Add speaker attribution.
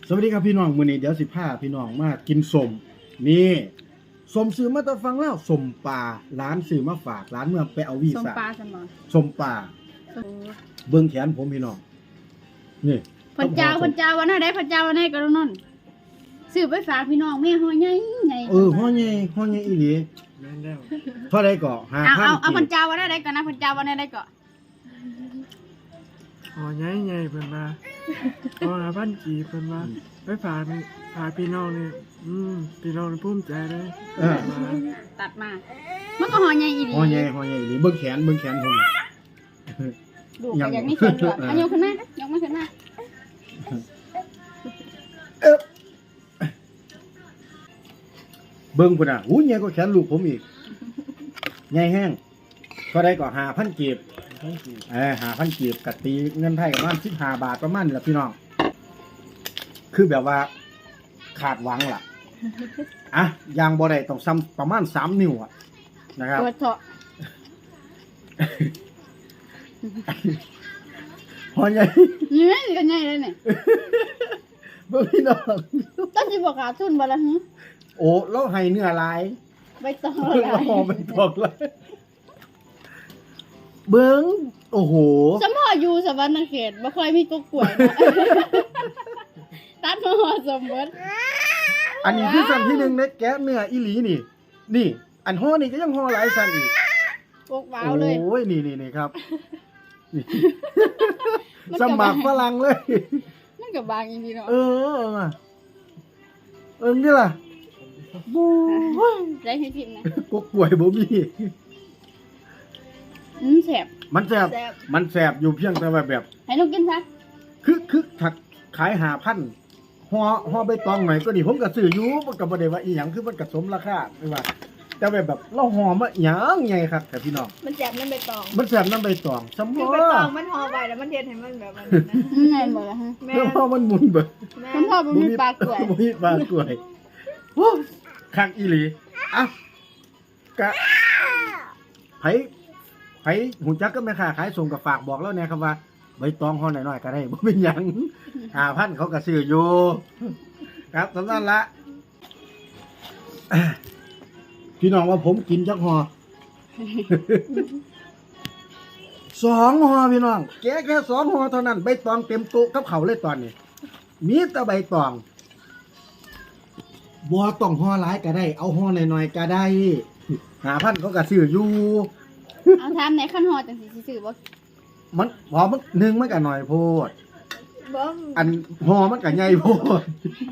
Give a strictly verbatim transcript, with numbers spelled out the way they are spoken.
Speaker 1: สวัสดีครับพี่น้องมื้อนี้เดี๋ยวสิพาพี่น้องมากินสมนี่สมซื้อมาแตะฟังแล้วสมป่าร้านซื้อมาฝากร้านเมื่อไปเอาวี
Speaker 2: ส้ม
Speaker 1: ซ่า
Speaker 2: ปลาซั่นบ่
Speaker 1: สมป่าเบิ่งแขนผมพี่น้องนี่
Speaker 2: พระเจ้าพระเจ้าวันไหนพระเจ้าวันไหนก็นั่นซื้อไปฝากพี่น้องแม่ฮอใหญ่ใหญ่
Speaker 1: เออฮ้อใหญ่ฮ้อใหญ่อีหลี
Speaker 3: แม่นแล้ว
Speaker 1: เท่าใดก็
Speaker 2: เอา
Speaker 1: ห้าพัน
Speaker 2: เอาเอาพระเจ้าวันไหนก่อนนะพระเจ้าวันไหนก่อน
Speaker 3: อ๋อใหญ่ใหญ่เพิ่นมาอ๋อพันกี่เพิ่นมาไปฝากนี่ฝากพี่น้องนี่อืมพี่น้องนี่ภูมิใจเลย
Speaker 1: เออ
Speaker 2: ตัดมา มันก็ฮอใหญ่อีหลี
Speaker 1: ฮ้อใหญ่ฮ้อใหญ่อีหลีเบิ่งแขนเบิ่งแขนผม
Speaker 2: ดูก็อยากมีแขนด้วยอันยกขึ้นมายกมาขึ้นมา
Speaker 1: เออเบิ่งพุ่นน่ะหูใหญ่กว่าแขนลูกผมอีกใหญ่แห้งเท่าใดก็ห้าพันกีบ
Speaker 3: พันกี่
Speaker 1: เออหาพันกีบกัตีเงินไทยประมาณสิบห้าบาทประมาณนี้แหละพี่น้อง คือแบบว่าขาดหวังล่ะ อ่ะยางบ่ได้ต้องซ้ำประมาณสามนิ้วอ่ะนะครับ
Speaker 2: ตัวเถาะ
Speaker 1: พอใหญ่
Speaker 2: นี่ก็ใหญ่เลยเนี่ย
Speaker 1: เบิ่งพี่น้อง
Speaker 2: ต้องสิบ่ขาดทุนบ่ล่ะหึ
Speaker 1: โอ้เราให้เนื้อหลาย
Speaker 2: ใบตอง
Speaker 1: เบิ่งเราหอมเป็นตอกเลยเบิ่งโอ้โห
Speaker 2: สมพออยู่สวรรค์เขตบ่ค่อยมีกกกล้วยนะตัดมาห่อสมบัติ
Speaker 1: อันนี้คือสั่นที่หนึ่งเน็กแกะเนื้ออีหลีนี่ นี่ อันห่อนี่ก็ยังห่อหลายสั่นอีก
Speaker 2: กกว้าวเลย
Speaker 1: โอ้ยนี่นี่นี่ครับนี่
Speaker 2: มัน
Speaker 1: ส
Speaker 2: ก็
Speaker 1: มัครฝรั่งเลย
Speaker 2: มันก็บางอีหลีเนาะ
Speaker 1: เออเออเออนี่ล่ะบู
Speaker 2: ได้ให้พิมพ์นะ
Speaker 1: กกป่วยบ่มี
Speaker 2: อืมแซ่บ
Speaker 1: มันแสบ
Speaker 2: แซ่บ
Speaker 1: มันแสบอยู่เพียงแต่ว่าแบบ
Speaker 2: ให้น้องกินซะ
Speaker 1: คือคือถักขายหาพันห่อห่อใบตองหน่อยก็นี่ผมก็ซื้ออยู่มันก็บ่ได้ว่าอีหยังคือมันก็สมราคาไม่ว่า แต่แบบแบบเราห่อมาหยังไงครับแต่พี่น้อง
Speaker 4: มันแสบน้ำใบตอง
Speaker 1: มันแสบน้ำใบตองสม
Speaker 4: คือ
Speaker 1: อ
Speaker 4: ใบตองมันห่อใบแล้วมันเทให้มันแบบมันนั้นนะ
Speaker 2: อืมแม่นบ่ล่ะฮะ
Speaker 4: แม่
Speaker 1: แล้วพอมันหมุนเบิด
Speaker 4: แม่
Speaker 2: คุณพ่อบ่มีปลากล้วย
Speaker 1: บ่มีปลากล้วยโอ้คักอีหลีอ่ะกะไผไผหูจักก็แม่ค้าขายส่งกับฝากบอกแล้วเนี่ยครับว่าใบตองห่อหน่อยๆก็ได้บ่เป็นหยังห้าพันเขาก็ซื้ออยู่ครับสำนั้นละพี่น้องว่าผมกินจักห่อ สองห่อพี่น้องแกะแค่สองห่อเท่านั้นใบตองเต็มโต๊ะกับเขาวเลยตอนนี้มีแต่ใบตองบัวต้องห่อหลายก็ได้ เอาห่อหน่อยๆก็ได้หาพันเขาก็ซื้ออยู่
Speaker 2: เอาถามในขั้นฮอจังสิสิซื้อบ่
Speaker 1: มันพอมันหนึ่งมันก็หน่อยโพด
Speaker 4: บ่ม
Speaker 1: อันห่อมันก็ใหญ่โพด